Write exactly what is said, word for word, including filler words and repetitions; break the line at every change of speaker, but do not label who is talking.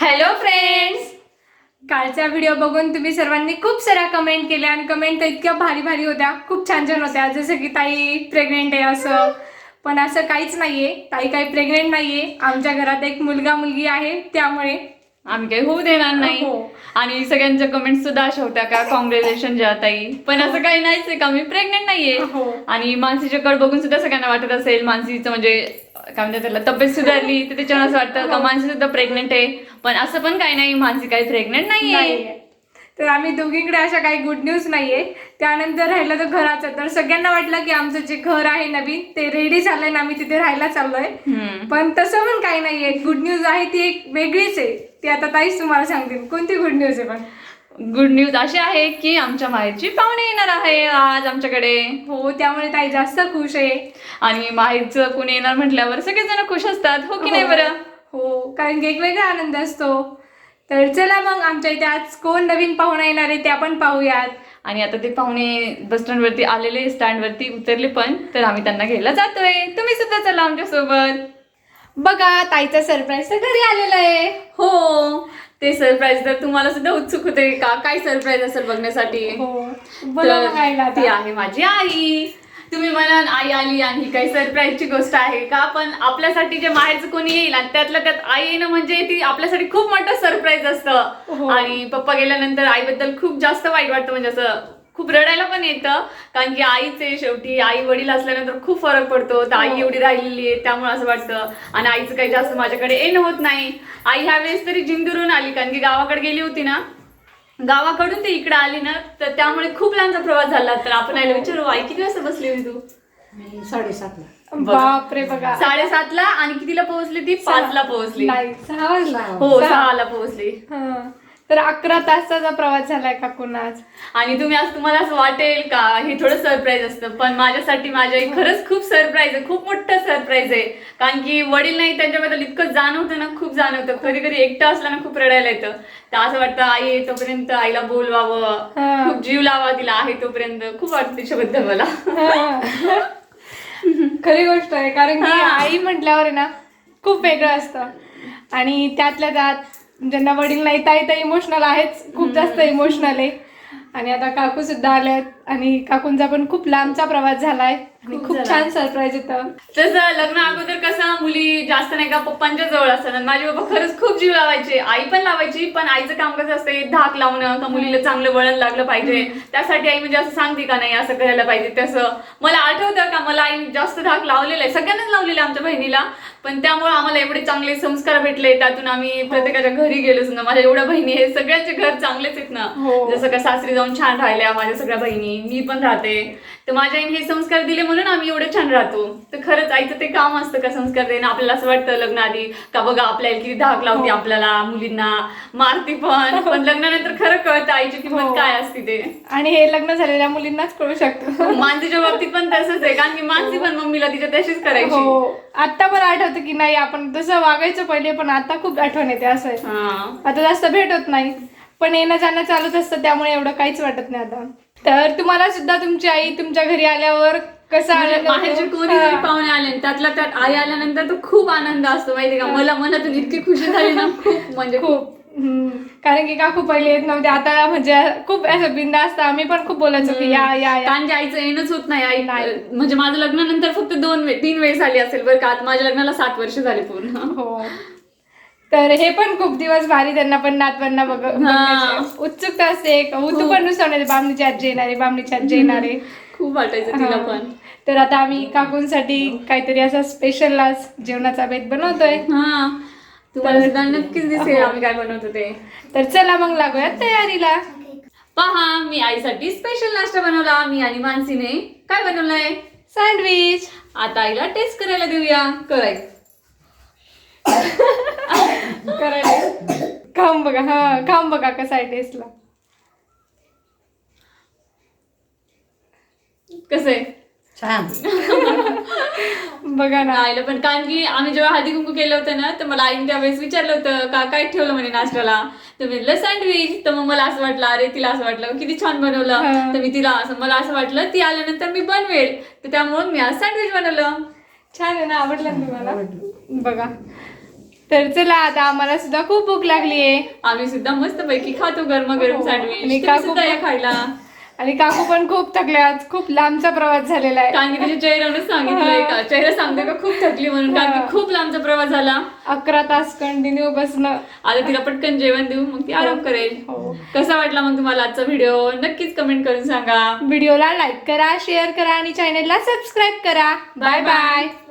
Hello friends, कालचा video बघून तुम्ही सर्वांनी खूप साऱ्या कमेंट केल्या आणि कमेंट तर इतक्या भारी भारी होत्या, खूप छान छान होत्या. जसं की ताई प्रेग्नेंट आहे असं, पण असं काहीच नाहीये. ताई काही प्रेग्नेंट नाहीये. आमच्या घरात एक मुलगा मुलगी आहे, त्यामुळे
आम्ही काही होऊ देणार नाही. आणि सगळ्यांच्या कमेंट सुद्धा अशा होत्या का काँग्रॅच्युलेशन ज्या ताई, पण असं काही नाहीच आहे का मी प्रेग्नेंट नाहीये. आणि मानसीच्या कड बघून सुद्धा सगळ्यांना वाटत असेल मानसीचं म्हणजे काय म्हणतात त्याला तब्येत सुधारली तर त्याच्यावर असं वाटतं का मानसी सुद्धा प्रेग्नेंट आहे, पण असं पण काही नाही, मानसी काही प्रेग्नेंट नाहीये.
तर आम्ही दोघींकडे अशा काही गुड न्यूज नाहीये. त्यानंतर राहिलं तर घराचं, तर सगळ्यांना वाटलं की आमचं जे घर आहे नवीन ते रेडी झालंय ना, आम्ही तिथे राहायला चाललोय. पण तसं पण काही नाहीये. गुड न्यूज आहे ती एक वेगळीच आहे, ती आता ताईच तुम्हाला सांगतील. कोणती गुड न्यूज आहे? पण
गुड न्यूज अशी आहे की आमच्या माहेरची पाहुणे येणार आहे आज आमच्याकडे.
हो, त्यामुळे ताई जास्त खुश आहे.
आणि माहेरचं कोणी येणार म्हटल्यावर सगळेजण खुश असतात, हो की नाही बरं?
हो, कारण की एक वेगळा आनंद असतो. तर चला मग, आमच्या इथे आज कोण नवीन पाहुणा येणार आहे ते आपण पाहूयात.
आणि आता ते पाहुणे बस स्टँड वरती आलेले, स्टँड वरती उतरले पण, तर आम्ही त्यांना घ्यायला जातोय. तुम्ही सुद्धा चला आमच्या सोबत.
बघा, ताईचा सरप्राईज तर घरी आलेला आहे.
हो, ते सरप्राईज तर तुम्हाला सुद्धा उत्सुक होते का काय सरप्राईज असेल बघण्यासाठी.
हो, बघायला
ती आहे माझी आई. तुम्ही म्हणाल आई आली आणि ही काही सरप्राईजची गोष्ट आहे का, पण आपल्यासाठी जे माहेरचं कोणी येईल आणि त्यातल्या त्यात आई येणं म्हणजे ती आपल्यासाठी खूप मोठं सरप्राईज असतं. आणि पप्पा गेल्यानंतर आईबद्दल खूप जास्त वाईट वाटतं, म्हणजे असं खूप रडायला पण येतं, कारण की आईचे शेवटी आई वडील असल्यानंतर खूप फरक पडतो. तर आई एवढी राहिलेली आहे त्यामुळे असं वाटतं. आणि आईचं काही जास्त माझ्याकडे येणं होत नाही. आई ह्या वेळेस तरी जिंदूरून आली, कारण की गावाकडे गेली होती ना, गावाकडून ते इकडे आली ना, तर त्यामुळे खूप लांबचा प्रवास झाला. तर आपण आईला विचारू, आई किती वाजता बसली होती तू?
साडेसातला.
बापरे, बघा,
साडेसातला. आणि कितीला पोहोचली ती? पाचला पोहोचली.
नाही, सहा वाजला.
हो, सहाला पोहोचली.
तर अकरा तासाचा प्रवास झालाय काकून आज.
आणि तुम्ही आज तुम्हाला असं वाटेल का हे थोडं सरप्राईज असतं, पण माझ्यासाठी माझ्या आई खरंच खूप सरप्राईज आहे, खूप मोठं सरप्राईज आहे. कारण की वडील नाही त्यांच्याबद्दल इतकं जाणवतं ना, खूप जाणवतं. कधी कधी एकटं असलं ना खूप रडायला येतं. तर असं वाटतं आई आहे तोपर्यंत आईला बोलवावं, खूप जीव लावा तिला, आहे तोपर्यंत. खूप वाटतं तिच्याबद्दल मला.
खरी गोष्ट आहे, कारण की आई म्हटल्यावर ना खूप वेगळं असतं. आणि त्यातल्या त्यात ज्यांना वडील नाही, ताई तर इमोशनल आहेच, खूप जास्त इमोशनल आहे. आणि आता काकू सुद्धा आल्यात, आणि काकूंचा पण खूप लांबचा प्रवास झालाय आणि खूप छान सरप्राईज होतं.
तसं लग्न अगोदर कसं मुली जास्त नाही का पप्पांच्या जवळ असतात. माझे बाबा खरंच खूप जीव लावायचे, आई पण लावायची, पण आईचं काम कसं असते, धाक लावणं, का मुलीला चांगलं वळण लागलं पाहिजे, त्यासाठी आई म्हणजे असं सांगते का नाही असं करायला पाहिजे तसं. मला आठवतं का मला आई जास्त धाक लावलेला आहे, सगळ्यांनाच लावलेला आहे आमच्या बहिणीला. पण त्यामुळे आम्हाला एवढे चांगले संस्कार भेटले, त्यातून आम्ही प्रत्येकाच्या घरी गेलो सुद्धा. माझ्या एवढ्या बहिणी हे सगळ्यांचे घर चांगलेच आहेत ना, जसं का सासरी जाऊन छान राहिल्या माझ्या सगळ्या बहिणी, मी पण राहते. तर माझ्या आईने हे संस्कार दिले म्हणून आम्ही एवढे छान राहतो. तर खरंच आईचं ते काम असतं का संस्कार देणं. आपल्याला असं वाटतं लग्न आधी का बघा आपल्याला किती धाक लावते, आपल्याला मुलींना मारती, पण पण लग्नानंतर खरं कळतं आईची किंमत काय असते ते.
आणि हे लग्न झालेल्या मुलींनाच कळू शकतं.
मानसीच्या बाबतीत पण तसंच आहे, कारण की मानसी पण मम्मीला तिच्या तशीच करायची.
हो, आता पण आठवतं की नाही आपण तसं वागायचं पहिले, पण आता खूप आठवण येते. असं आहे, आता जास्त भेट होत नाही, पण येणं जाणं चालूच असतं, त्यामुळे एवढं काहीच वाटत नाही आता. तर तुम्हाला सुद्धा तुमची आई तुमच्या घरी आल्यावर कसं आलं?
माहेरचे कोणी जरी पाहुणे आले त्यातल्या त्यात आई आल्यानंतर तर खूप आनंद असतो, माहिती का. मला मनातून इतकी खुशी झाली ना, खूप म्हणजे
खूप. कारण की काकू पहिले येत नव्हते, आता म्हणजे खूप असं बिंदास्त आम्ही पण खूप बोलायचो की या या या.
कारण की आईचं येणंच होत नाही. आई म्हणजे माझं लग्नानंतर फक्त दोन वे तीन वेळेस आली असेल बरं का. माझ्या लग्नाला सात वर्ष झाले पूर्ण.
हो, तर हे पण खूप दिवस भारी, त्यांना पण नातवांना बघ उत्सुकता असते. तू पण नुसतं बामणीची आजी येणारे, बामणीची आजी येणारे,
खूप वाटायचं तिला पण.
तर आता आम्ही काकूंसाठी काहीतरी असा स्पेशल आज जेवणाचा बेत बनवतोय.
हा, तुम्हाला नक्कीच दिसेल आम्ही काय बनवतो ते.
तर चला मग लागूया तयारीला.
पहा, मी आईसाठी स्पेशल नाश्ता बनवला. मी आणि मानसीने काय बनवलंय?
सँडविच.
आता आईला टेस्ट करायला देऊया. करायचं
करायला खाऊन बघा. हा, खाऊन बघा कसा आहे टेस्टला.
कसं आहे?
छान.
बघा ना.
आईला पण, कारण की आम्ही जेव्हा हळदी कुंकू केलं होतं ना, तर मला आईने त्यावेळेस विचारलं होतं का काय ठेवलं म्हणे नाश्त्याला. तर मी म्हटलं सँडविच. तर मग मला असं वाटलं, अरे तिला असं वाटलं किती छान बनवलं. तर मी तिला असं मला असं वाटलं ती आल्यानंतर मी बनवेल, तर त्यामुळे मी आज सँडविच बनवलं.
छान आहे ना, आवडलं तुम्हाला? बघा, तर चला आता आम्हाला सुद्धा खूप भूक लागली आहे
आम्ही सुद्धा मस्त पैकी खातो गरमागरम
हो. आणि
सँडविच तुम्ही
काकू
सुद्धा या
पण-
खायला
आणि काकू पण खूप थकले आज, खूप लांबचा प्रवास झालेला आहे.
कारण की तिच्या चेहऱ्यावरच सांगितलंय का चेहरा सांगते का खूप थकली म्हणून कारण की खूप लांबचा प्रवास झाला.
अकरा तास कंटिन्यू बसणं.
आता तिला पटकन जेवण देऊ मग ती आराम करेल.
हो.
कसा वाटला मग तुम्हाला आजचा व्हिडिओ नक्कीच कमेंट करून सांगा.
व्हिडिओला लाईक करा, शेअर करा आणि चॅनलला सबस्क्राईब करा. Bye bye.